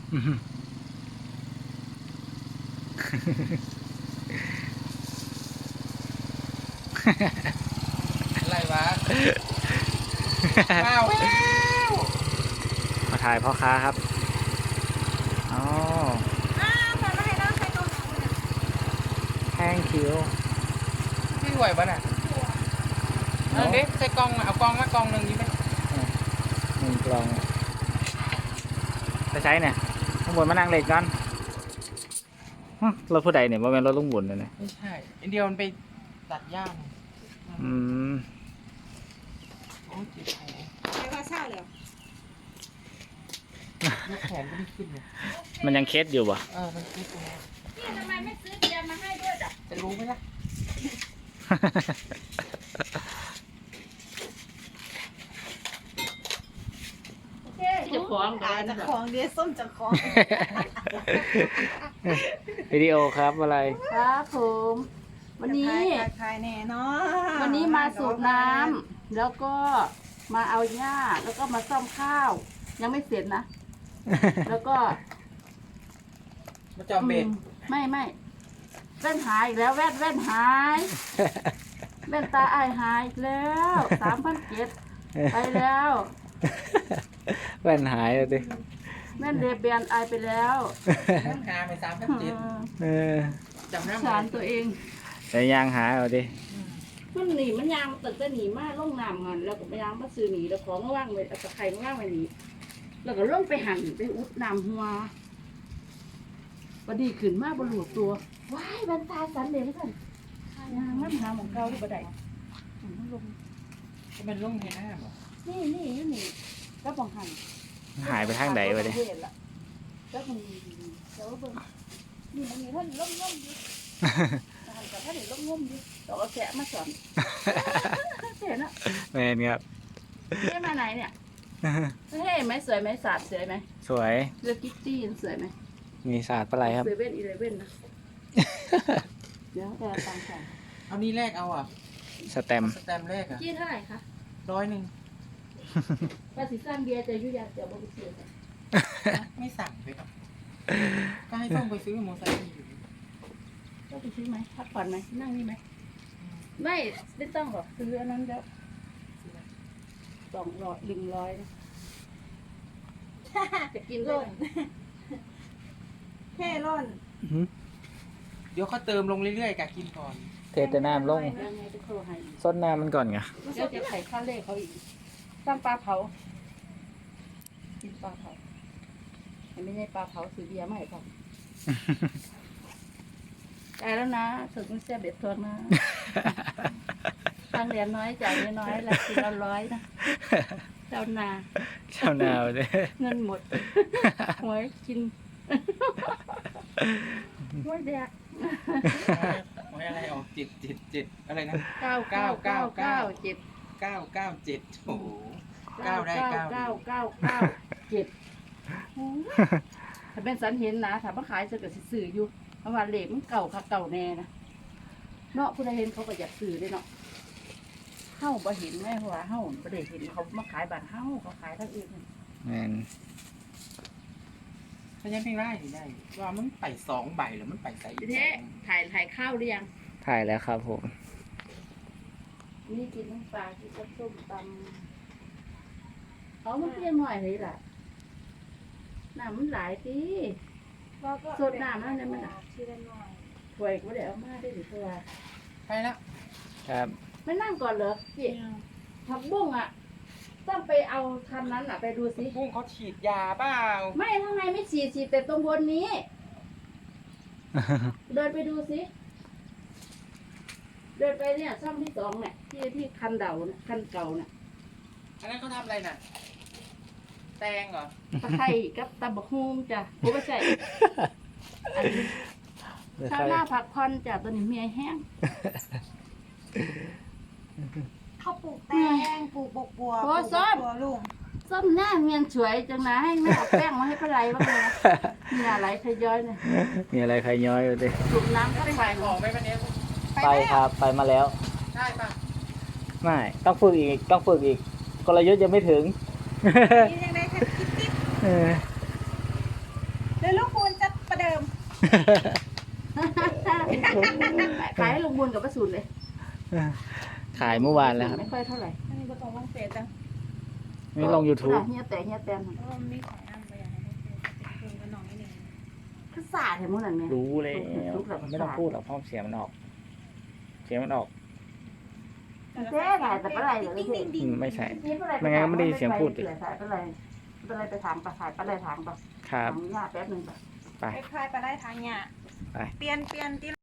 อะไรวะว้าวมาถ่ายพ่อค้าครับอ๋อแห้งคิ้วพี่ไหวปะน่ะเด็กใส่กล่องเอากล่องมากล่องหนึ่งดีไหม 1 กล่องจะใช้เนี่ยลุงบุญมานั่งเล็กกันรถผู้ใดเนี่ยว่าเป็นรถลุงบุญเลยเนี่ยไม่ใช่อินเดียมันไปตัดย่างโอ้ยเจ็บแขนเดี๋ยวว่าเศร้าเลยยกแขนก็ไม่ขึ้นเลยมันยังเคสอยู่ป่ะมันเคสตรงนี้พี่ทำไมไม่ซื้อเบียร์มาให้ด้วยจ้ะจะรู้ไหมล่ะจะคล้องจะคล้องเดี๋ยวส้มจะคล้องวิดีโอครับอะไรครับผมวันนี้ขายแน่เนาะวันนี้มาสูบน้ำแล้วก็มาเอาหญ้าแล้วก็มาซ่อมข้าวยังไม่เสร็จนะแล้วก็มาจอมเบ็ดไม่แว่นหายอีกแล้วแว่นหายแว่นตาอายหายแล้ว3,700ไปแล้วแว่นหายเลยดิแว่นเรเบียนอายไปแล้วต้องหาไป3,700จำหน้าสารตัวเองแต่ยางหายเอาดิมันหนีมันยางตึกจะหนีมาล่องน้ำกันแล้วก็ยางมาซื้อหนีแล้วของว่างเลยตะไคร้ว่างไว้หนีแล้วก็ล่องไปหั่นไปอุดน้ำหัวพอดีขึ้นมาบนหัวตัวว้ายบรรทาสันเดชกันยางมันหาของเก่าที่บันไดมันลงมันลงในน้ำหรอนี่ก็บังหันหายไปทางไหนวะดิก็มันเจ้าเบิ้งนี่มันมีท่านล่มอยู่หันกับท่านล่มอยู่ต่อแกะมาสอนเห็นอะแมนครับเฮ้มาไหนเนี่ยเฮ้ไหมสวยไหมสาดสวยไหมสวยเลือกกิ๊กจี้สวยไหมมีศาสตร์อะไรครับ 7-11นะเดี๋ยวแต่ตังค์เอานี่แรกเอาสแตมแรกจี้เท่าไหร่คะ 100 ภาษีสร้างเบียร์จะยุ่ยยากเดี๋ยวบอกไปซื้อไม่สั่งไปก่อนก็ให้ส่งไปซื้อมอไซค์อยู่ก็ไปซื้อไหมพักผ่อนไหมนั่งนี่ไหมไม่ต้องหรอกซื้ออันนั้นแล้ว100นะจะกินร่นแค่ร่นเดี๋ยวเขาเติมลงเรื่อยๆกะกินก่อนเทแต่น้ำลงซดน้ำมันก่อนไงเดี๋ยวจะไข่ข้าวเล่เขาอีกตั้งปลาเผากินปลาเผาไม่ใช่ปลาเผาซื้อเบียร์มาให้ผมได้แล้วนะสุดมันเสียเบ็ดทนนะตังเหรียญน้อยจ่ายน้อยละกิน100นะเจ้านาเลยเงินหมดหวยกินหวยแดกหวยอะไรออก7อะไรนะ 9 โอ้โห9ได้ 7ถ้าเป็นสันเห็นนะถ้ามาขายจะเกิดสื่ออยู่เพราะว่าเหล็กมันเก่าค่ะเก่าแน่นะเนาะผู้ใดเห็นเขาก็อยากซื้อเลยเนาะเฮ้าบ่เห็นแม่ว่าเฮ้าบ่ได้เห็นเขามาขายบ้านเฮ้าเขาขายทั้งอื่นแม่นถ้ายังไม่ได้ว่ามันไป2 ใบหรือมันไปใส่เท่ถ่ายข้าวหรือยังถ่ายแล้วครับผมนี่กินน้ำปลากินส้มตำเขามันเพี้ยนหน่อยเลยล่ะน้ำมันหลายทีสดน้ำนั่นเนี่ยมันถวยก็เดี๋ยวเอามาได้หรือเปล่าไปแล้วครับไม่นั่งก่อนเหรอพี่ผักบุ้งต้องไปเอาคันนั้นไปดูสิบุ้งเขาฉีดยาเปล่าไม่ข้างในไม่ฉีดแต่ตรงบนนี้ เดินไปดูสิเดินไปเนี่ยช่องที่2เนี่ยที่คันเก่าเนี่ยอันนั้นเขาทำอะไรน่ะแตงเหรอตะไคร้กับตะบักฮุ่มจ้ะผมไม่ใช่ข้าวหน้าผักพอนจ้ะตัวนี้เมียแห้งเขาปลูกแตงปลูกบัวลุงส้มหน้าเมียนสวยจังนะให้แม่เอาแป้งมาให้ปลาไหลบ้างเลยนะมีอะไรใครย้อยเนี่ยมีอะไรใครย้อยอยู่ดิสูบน้ำก็ไปของไหมวันนี้ไปครับไปมาแล้วได้ปะไม่ต้องฝึกอีกกลยุทธ์ยังไม่ถึงยังไงคะเดี๋ยวลูกคุณจะประเดิมขายให้ลุงบุญกับป้าสูนเลยขายเมื่อวานแล้วครับไม่ค่อยเท่าไหร่อันนี้ก็ต้องลงเฟซจังนี่ลง YouTube เฮียแต่เพราะว่ามันมีของอันไปอย่างนั้นเพิ่มกันหน่อยนิดนึงคือสาดเห็นมั้งนั่นไหมรู้แล้วไม่ต้องพูดหรอกเพราะเสียงมันออก เสียงมันออกเจ๊ไงแต่เป็นไรเหรอดิ้งดิ้งดิ้งไม่ใช่ ไม่งั้นก็ไม่ได้ยินเสียงพูดดิเป็นไรไปถามปะถ่ายไปเลยถามปะครับถามย่าแป๊บนึงปะไปไปพายไปได้ทางเนี่ยไปเปลี่ยนที่